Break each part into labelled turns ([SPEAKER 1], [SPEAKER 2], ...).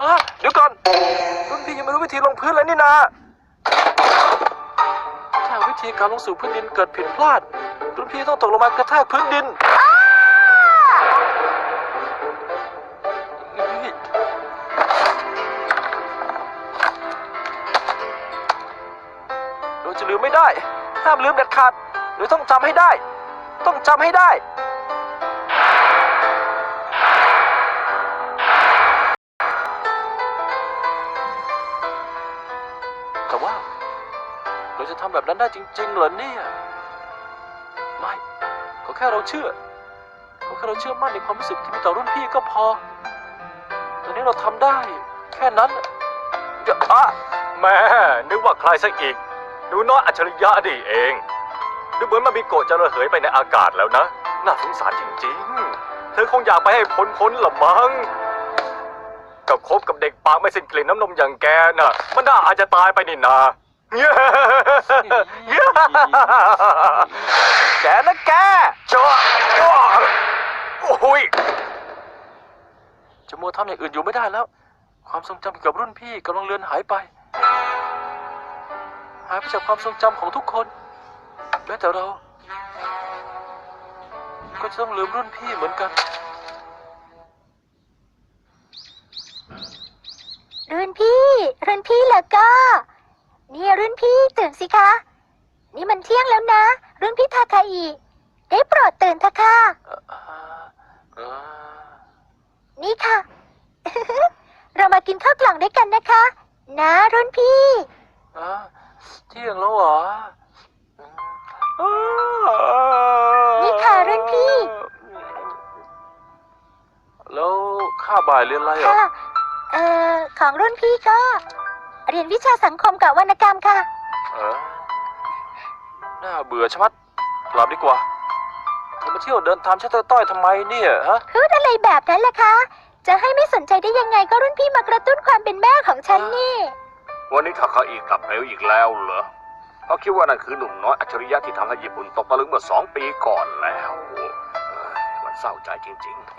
[SPEAKER 1] เดี๋ยวก่อนรุ่นพี่ยังไม่รู้วิธีลงพื้นเลยนี่นาถ้าวิธีการลงสู่พื้นดินเกิดผิดพลาดรุ่นพี่ต้องตกลงมากระแทกพื้นดินเราจะลืมไม่ได้ห้ามลืมเด็ดขาดหรือต้องจำให้ได้ต้องจำให้ได้แต่ว่าเราจะทำแบบนั้นได้จริงๆเหรอเนี่ยไม่ขอแค่เราเชื่อมั่นในความรู้สึกที่มีต่อรุ่นพี่ก็พอตอนนี้เราทำได้แค่นั้น
[SPEAKER 2] แม่นึกว่าใครสักอีกหนูน้อยอัจฉริยะนี่เองดูเหมือนมามิโกะจะระเหยไปในอากาศแล้วนะน่าสงสารจริงๆเธอคงอยากไปให้พ้นละมั้งกับคบกับเด็กปากไม่สิ้นกลิ่นน้ำนมอย่างแกน่ะมันน่าอาจจะตายไปนี่นา
[SPEAKER 1] แกนะแก
[SPEAKER 2] จ้าโอ้ย
[SPEAKER 1] จะมัวทำอย่างอื่นอยู่ไม่ได้แล้วความทรงจำเกี่ยวกับรุ่นพี่กำลังเลือนหายไปจากความทรงจำของทุกคนแม้แต่เราก็จะต้องลืมรุ่นพี่เหมือนกัน
[SPEAKER 3] รุ่นพี่แล้วก็นี่รุ่นพี่ตื่นสิคะนี่มันเที่ยงแล้วนะรุ่นพี่ทาคาอิได้โปรดตื่นเถอะค่ะนี่ค่ะ เรามากินข้าวกล่องด้วยกันนะคะนะรุ่นพี่
[SPEAKER 1] เที่ยงแล้วเหรอ
[SPEAKER 3] นี่ค่ะรุ่นพี่
[SPEAKER 1] แล้วค่าบ่ายเรียนอะไรอ่ะ
[SPEAKER 3] ค่ะของรุ่นพี่ก็เรียนวิชาสังคมกับวรรณกรรมค่ะ
[SPEAKER 1] น่าเบื่อชะมัดกลับดีกว่าเธอมาเที่ยวเดินตามชัตเตอร์ต้อยทำไมเนี่ยฮะ
[SPEAKER 3] พูดอะไรแบบนั้นล่ะคะจะให้ไม่สนใจได้ยังไงก็รุ่นพี่มากระตุ้นความเป็นแม่ของฉันนี่
[SPEAKER 2] วันนี้ทาคาอิกลับเร็วอีกแล้วเหรอเขาคิดว่านั่นคือหนุ่มน้อยอัจฉริยะที่ทำให้ญี่ปุ่นตกตะลึงเมื่อ2 ปีก่อนแล้วมันเศร้าใจจริงๆ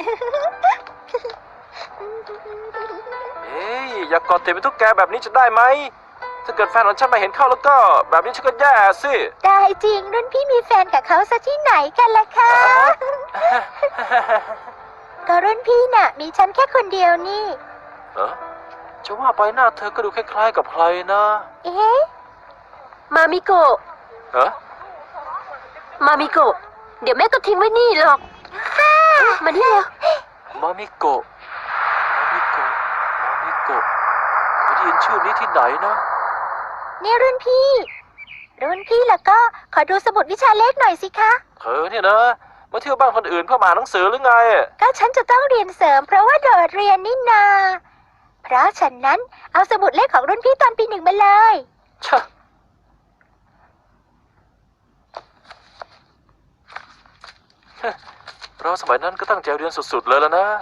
[SPEAKER 1] อย่ากอดติดเป็นตุ๊กแกแบบนี้จะได้ไหมถ้าเกิดแฟนของฉันมาเห็นเข้าแล้วก็แบบนี้ฉันก็แย่สิ
[SPEAKER 3] ได้จริงรุ่นพี่มีแฟนกับเขาซะที่ไหนกันล่ะคะ ก็รุ่นพี่น่ะมีฉันแค่คนเดียวนี่
[SPEAKER 1] จะว่าไปหน้าเธอก็ดูคล้ายๆกับใครนะ
[SPEAKER 3] มามิโกะมามิโกะเดี๋ยวแม่ก็ทิ้งไว้นี่หรอกมานี่แล้ว
[SPEAKER 1] มามิโกะเคยได้ยินชื่อนี้ที่ไหนนะ
[SPEAKER 3] นี่รุ่นพี่แล้วก็ขอดูสมุดวิชาเลขหน่อยสิคะ
[SPEAKER 1] เธอเนี่ยนะมาเที่ยวบ้านคนอื่นเพื่อมาอ่านหนังสือหรือไง
[SPEAKER 3] ก็ฉันจะต้องเรียนเสริมเพราะว่าโดดเรียนนี่นาเพราะฉะนั้นเอาสมุดเลขของรุ่นพี่ตอนปี 1มาเลย
[SPEAKER 1] เราสมัยนั้นก็ตั้งใจเรียนสุดๆเลยแล้วนะ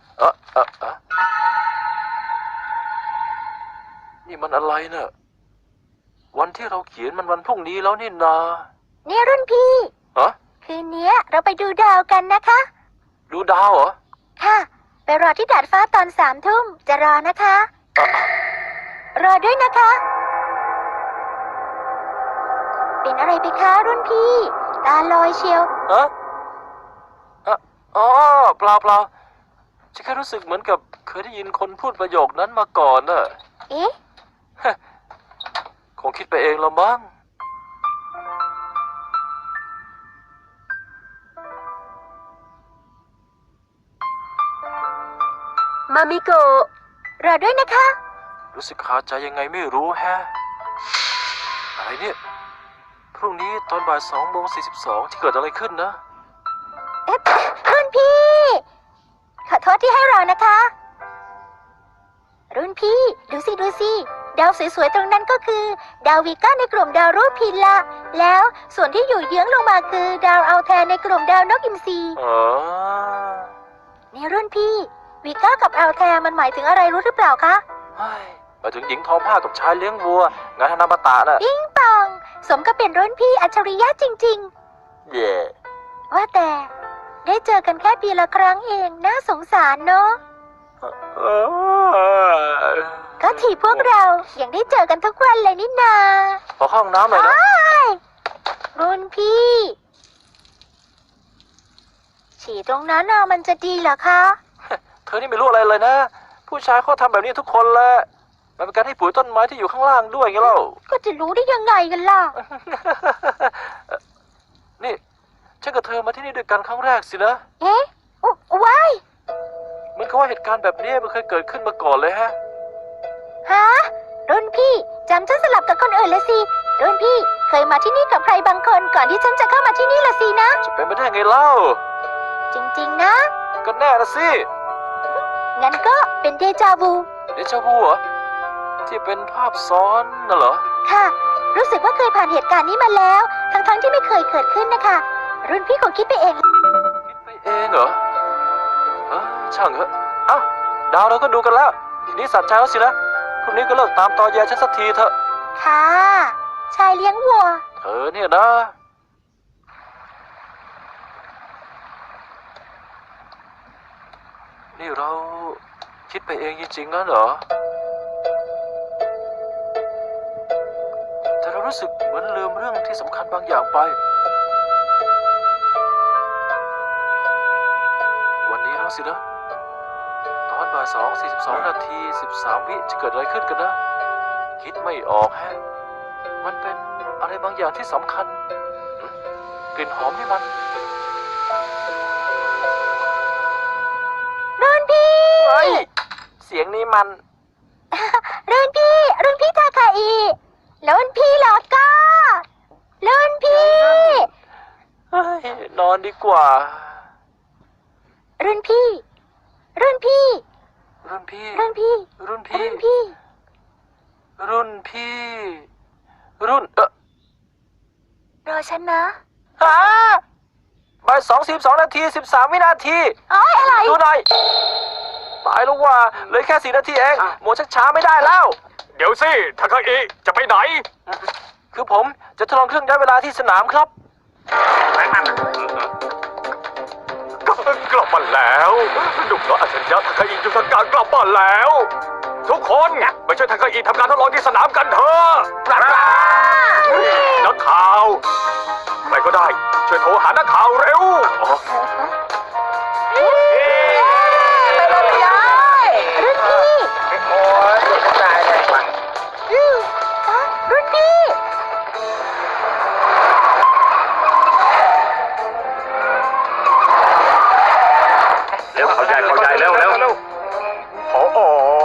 [SPEAKER 1] นี่มันอะไรเนอะวันที่เราเขียนมันวันพรุ่งนี้แล้วนี่นา
[SPEAKER 3] เนี่ยรุ่นพี่คืนนี้เราไปดูดาวกันนะคะ
[SPEAKER 1] ดูดาวเหรอ
[SPEAKER 3] ค่ะไปรอที่ดาดฟ้าตอน3 ทุ่มจะรอนะคะรอด้วยนะคะเป็นอะไรไปคะรุ่นพี่ตาลอยเชียว
[SPEAKER 1] เปล่าฉันแค่รู้สึกเหมือนกับเคยได้ยินคนพูดประโยคนั้นมาก่อนน่ะคงคิดไปเองละมั้ง
[SPEAKER 3] มามิโกะรอด้วยนะคะ
[SPEAKER 1] รู้สึกคาใจยังไงไม่รู้แฮะอะไรเนี่ยพรุ่งนี้ตอนบ่าย2:42ที่เกิดอะไรขึ้นนะ
[SPEAKER 3] รุ่นพี่ขอโทษที่ให้รอนะคะรุ่นพี่ดูสิดาวสวยๆตรงนั้นก็คือดาววีก้าในกลุ่มดาวรูปพินละแล้วส่วนที่อยู่เยื้องลงมาคือดาวอัลแทนในกลุ่มดาวนกอินทรีนี่รุ่นพี่วีก้ากับอัลแทนมันหมายถึงอะไรรู้หรือเปล่าคะ
[SPEAKER 1] หมายถึงหญิงทอผ้ากับชายเลี้ยงวัวงานธนาบตะน่ะ
[SPEAKER 3] ปิ๊งปองสมกับเป็นรุ่นพี่อัจฉริยะจริงๆว่าแต่ได้เจอกันแค่ปีละครั้งเองน่าสงสารเนาะทีพวกเรายังได้เจอกันทุกวันเลยนี่นา
[SPEAKER 1] ขอเข้าห้องน้ำหน่อยนะ
[SPEAKER 3] รุ่นพี่ ฉี่ตรงนั้นน่ะมันจะดีเหรอคะ
[SPEAKER 1] เธอนี่ไม่รู้อะไรเลยนะ ผู้ชายเขาทำแบบนี้ทุกคนแหละมันเป็นการให้ปุ๋ยต้นไม้ที่อยู่ข้างล่างด้วยไงเล่า
[SPEAKER 3] ก็จะรู้ได้ยังไงกันล่ะ
[SPEAKER 1] นี่ฉันกับเธอมาที่นี่ด้วยกันครั้งแรกสินะ
[SPEAKER 3] เอ๊ะว้าย
[SPEAKER 1] เหมือนกับว่าเหตุการณ์แบบนี้มันเคยเกิดขึ้นมาก่อนเลยฮะ
[SPEAKER 3] ฮะรุ่นพี่จำฉันสลับกับคนอื่นละสิรุ่นพี่เคยมาที่นี่กับใครบางคนก่อนที่ฉันจะเข้ามาที่นี่ละสินะ
[SPEAKER 1] จะเป็นไปได้ไงเล่า
[SPEAKER 3] จริงๆนะ
[SPEAKER 1] ก็แน่ละสิ
[SPEAKER 3] งั้นก็เป็นเดจาวู
[SPEAKER 1] เดจาวูเหรอที่เป็นภาพซ้อนน่ะเหรอ
[SPEAKER 3] ค่ะ รู้สึกว่าเคยผ่านเหตุการณ์นี้มาแล้ว ทั้งๆที่ไม่เคยเกิดขึ้นนะคะ รุ่นพี่คงคิดไปเอง
[SPEAKER 1] คิดไปเองเหรอช่างเถอะเอ้าดาวเราก็ดูกันแล้ว ทีนี้สัตว์ใจแล้วสินะพรุ่งนี้ก็เลิกตามตอแยฉันสักทีเถอะ
[SPEAKER 3] ค่ะ ชายเลี้ยงวัว
[SPEAKER 1] เธอเนี่ยนะ นี่เราคิดไปเองจริงๆงั้นเหรอ แต่เรารู้สึกเหมือนลืมเรื่องที่สำคัญบางอย่างไป วันนี้แล้วสินะ ตอนบ่าย2:42 นาที 13 วิจะเกิดอะไรขึ้นกันนะ คิดไม่ออกแฮะ มันเป็นอะไรบางอย่างที่สำคัญกลิ่นหอมนี่มัน
[SPEAKER 3] รุ่นพี่
[SPEAKER 1] เฮ้ย เสียงนี้มัน
[SPEAKER 3] รุ่นพี่ทาคาอิรุ่นพี่เหรอก็รุ่นพี่
[SPEAKER 1] เฮ้ย นอนดีกว่า
[SPEAKER 3] รุ่นพี่ รุ่นพี่
[SPEAKER 1] รุ่นพี่
[SPEAKER 3] รุ่นพี่
[SPEAKER 1] รุ่นพี่
[SPEAKER 3] รุ่นพี่
[SPEAKER 1] รุ่นพี่ รุ่น
[SPEAKER 3] รอฉันนะ
[SPEAKER 1] ฮะบ่าย2:42 นาที 13 วินาที
[SPEAKER 3] อ๋ออะไร
[SPEAKER 1] ดูหน่อย ตายแล้วว่าเหลือแค่ 4 นาทีเองหมดชักช้าไม่ได้แล้ว
[SPEAKER 2] เดี๋ยวสิทาคาอิจะไปไหน
[SPEAKER 1] คือผมจะทดลองเครื่องย้ายเวลาที่สนามครับ
[SPEAKER 2] กลับมาแล้วหนุ่มน้อยอัจฉริยะทาคาอิยุทธการกลับมาแล้ว ทุกคนไปช่วยทาคาอิทำการทดลองที่สนามกันเถอะนักข่าวใครก็ได้ช่วยโทรหานักข่าวเร็ว
[SPEAKER 3] ไปเลยรุ่นพี่
[SPEAKER 2] โอ้ยตายแล้วว่ะ
[SPEAKER 3] รุ่นพี่
[SPEAKER 2] เร็วเข้าใจเร็วโอ้โห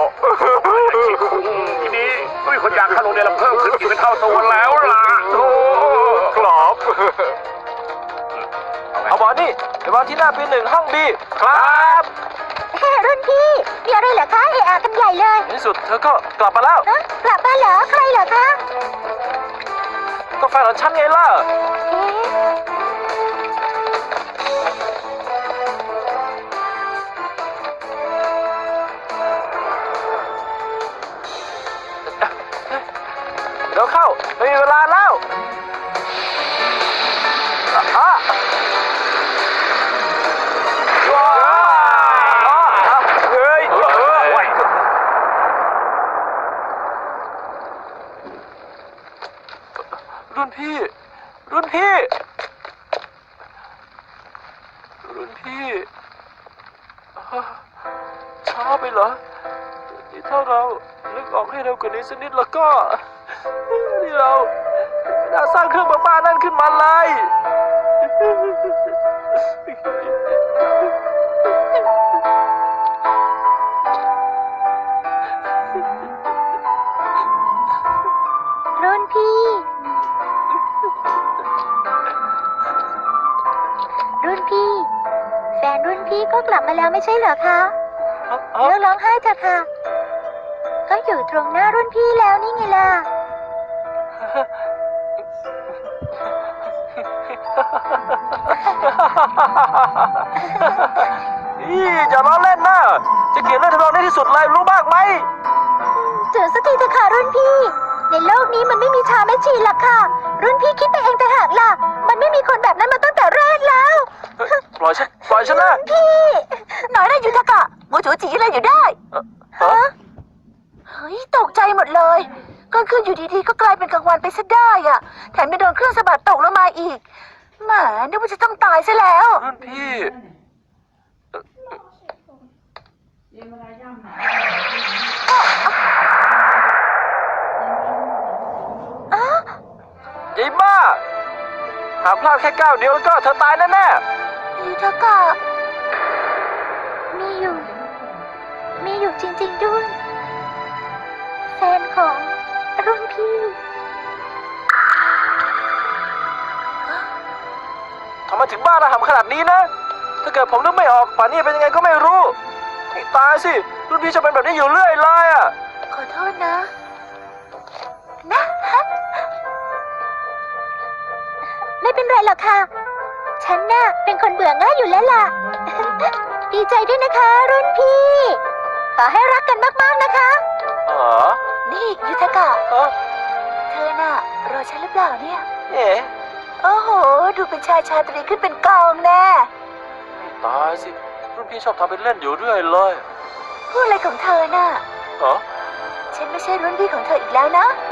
[SPEAKER 2] ทีนี้ก็มีคนอยากเข้าโรงเรียนเราเพิ่มขึ้นกี่เป็นเท่าตัวแล้วล่ะโอ้ครับ
[SPEAKER 1] เอาบอลนี่ไปวางที่หน้าปี 1 ห้องบีครับ
[SPEAKER 3] รุ่นพี่มีอะไรเหรอคะเอะอะกันใหญ่เลย
[SPEAKER 1] ในที่สุดเธอก็กลับมาแล้ว
[SPEAKER 3] ฮะกลับมาเหรอใครเหรอคะ
[SPEAKER 1] ก็แฟนของฉันไงล่ะ
[SPEAKER 3] เอ๊ะ
[SPEAKER 1] เดี๋ยวเข้าไม่มีเวลาแล้วว้าวเฮ้ย รุ่นพี่ รุ่นพี่ รุ่นพี่ช้าไปเหรอนี่ถ้าเรานึกออกให้เร็วกว่านี้สักนิดแล้วก็ นี่เราไม่น่าสร้างเครื่องบ้าๆนั่นขึ้นมาเลย
[SPEAKER 3] รุ่นพี่ รุ่นพี่ แฟนรุ่นพี่ก็กลับมาแล้วไม่ใช่เหรอคะเลิกร้องไห้เถอะค่ะ ก็อยู่ตรงหน้ารุ่นพี่แล้วนี่ไงล่ะ
[SPEAKER 1] อย่าล้อเล่นนะ จะเกลียดเรื่องทำนองนี้ที่สุดเลยรู้บ้างไหม
[SPEAKER 3] ถือสักทีเถอะค่ะรุ่นพี่ ในโลกนี้มันไม่มีชาแม่ชีหรอกค่ะ รุ่นพี่คิดไปเองแต่หากล่ะ มันไม่มีคนแบบนั้นมาตั้งแต่แรกแล้ว
[SPEAKER 1] ปล่อยฉันนะ
[SPEAKER 3] พี่หน่อยได้อยู่เถอะค่ะโมโจจีอะไรอยู่ได้
[SPEAKER 1] ฮะ
[SPEAKER 3] ฮ้ยตกใจหมดเลยกลางคืนอยู่ดีๆก็กลายเป็นกลางวันไปซะได้อ่ะแถมไปโดนเครื่องสะบัดตกลงมาอีกแหมนึกว่าจะต้องตายซะแล้ว
[SPEAKER 1] รุ่นพี่ ยายบ้า หากพลาดแค่ก้าวเดียวแล้วก็เธอตายแน่
[SPEAKER 3] ยูทากะมีอยู่จริงๆด้วยแฟนของรุ่นพี่
[SPEAKER 1] ๆทำไมถึงบ้าระห่ำขนาดนี้นะ ถ้าเกิดผมนึกไม่ออกป่านนี้เป็นยังไงก็ไม่รู้ให้ตายสิ รุ่นพี่จะเป็นแบบนี้อยู่เรื่อยเลยอะ
[SPEAKER 3] ขอโทษนะ ไม่เป็นไรหรอกค่ะ ฉันน่ะเป็นคนเบื่อง่ายอยู่แล้วล่ะ ดีใจด้วยนะคะ รุ่นพี่ ขอให้รักกันมากๆนะคะ
[SPEAKER 1] อ๋อ
[SPEAKER 3] นี่ยูทากะ
[SPEAKER 1] เอ้อ
[SPEAKER 3] เธอน่ะรอฉันหรือเปล่าเนี่ย
[SPEAKER 1] เอ๋
[SPEAKER 3] โอ้โห ดูเป็นชายชาตรีขึ้นเป็นกองแน่
[SPEAKER 1] ให้ตายสิ รุ่นพี่ชอบทำเป็นเล่นอยู่เรื่อยเลย
[SPEAKER 3] พูดอะไรของเธอน่ะ
[SPEAKER 1] เหรอ
[SPEAKER 3] ฉันไม่ใช่รุ่นพี่ของเธออีกแล้วนะ